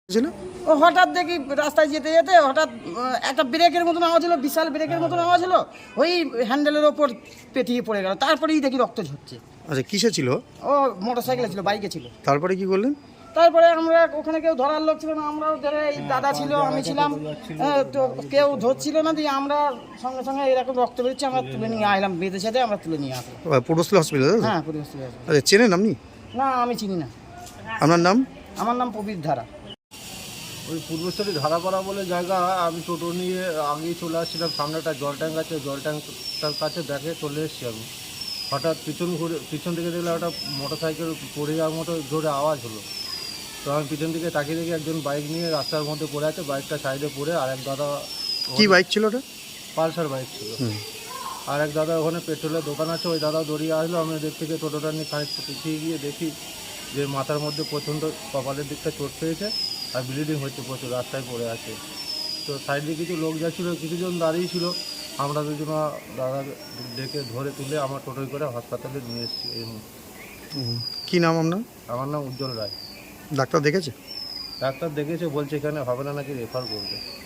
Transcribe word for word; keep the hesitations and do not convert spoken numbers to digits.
ছিল ও হঠাৎ দেখি রাস্তায় যেতে যেতে হঠাৎ আহ, একটা ব্রেকের মতন আওয়াজ হলো, বিশাল ব্রেকের মতন আওয়াজ হলো, ওই হ্যান্ডেলের ওপর পেটিয়ে পড়ে গেল। তারপরেই দেখি রক্ত ঝরছে। আচ্ছা কিসে ছিল? ও মোটর সাইকেলে ছিল, বাইকে ছিল। তারপরে কি করলেন? তারপরে আমরা ওখানে কেউ ধরার লোক ছিল না, আমরাও ধরে এই দাদা ছিল, আমি ছিলাম, আহ, তো কেউ ধরছিল না, দিয়ে আমরা সঙ্গে সঙ্গে এরকম রক্ত বেরোচ্ছে, আমরা তুলে নিয়ে আসলাম, বেঁধে সাথে আমরা তুলে নিয়ে আসলাম। পূর্বস্থলী হসপিটাল? হ্যাঁ, পরিবেশ থেকে আসলাম। আচ্ছা চেনেন আপনি? না, আমি চিনি না। আপনার নাম? আমার নাম প্রবীর ধারা। ওই পূর্বস্থলী ধারাপাড়া বলে জায়গা, আমি টোটো নিয়ে আগেই চলে আসছিলাম, সামনে একটা জল ট্যাঙ্ক আছে, জল ট্যাঙ্কটার কাছে দেখে চলে এসেছি আমি। হঠাৎ পিছন ঘুরে পিছন থেকে দেখলাম একটা মোটর সাইকেল পড়ে যাওয়ার মতো জোরে আওয়াজ হলো। তো আমি পিছন দিকে তাকিয়ে দেখি একজন বাইক নিয়ে রাস্তার মধ্যে পড়ে আছে, বাইকটা সাইডে পড়ে, আর এক দাদা, কি বাইক ছিল ওটা? পালসার বাইক ছিল। আর এক দাদা ওখানে পেট্রোলের দোকান আছে, ওই দাদা দৌড়িয়ে আসলো। আমি ওদের থেকে টোটোটা নিয়ে খানিকটা পিছিয়ে গিয়ে দেখি যে মাথার মধ্যে প্রচণ্ড কপালের দিকটা চোট পেয়েছে আর ব্লিডিং হচ্ছে প্রচুর, রাস্তায় পড়ে আছে। তো সাইডে কিছু লোক যাচ্ছিলো, কিছুজন দাঁড়িয়ে ছিল, আমরা দুজন দাদা ডেকে ধরে তুলে আমার টোটোয় করে হাসপাতালে নিয়ে এসেছি এই মুহূর্তে। কি নাম আপনার? আমার নাম উজ্জ্বল রায়। ডাক্তার দেখেছে? ডাক্তার দেখেছে, বলছে এখানে হবে না, নাকি রেফার করবে।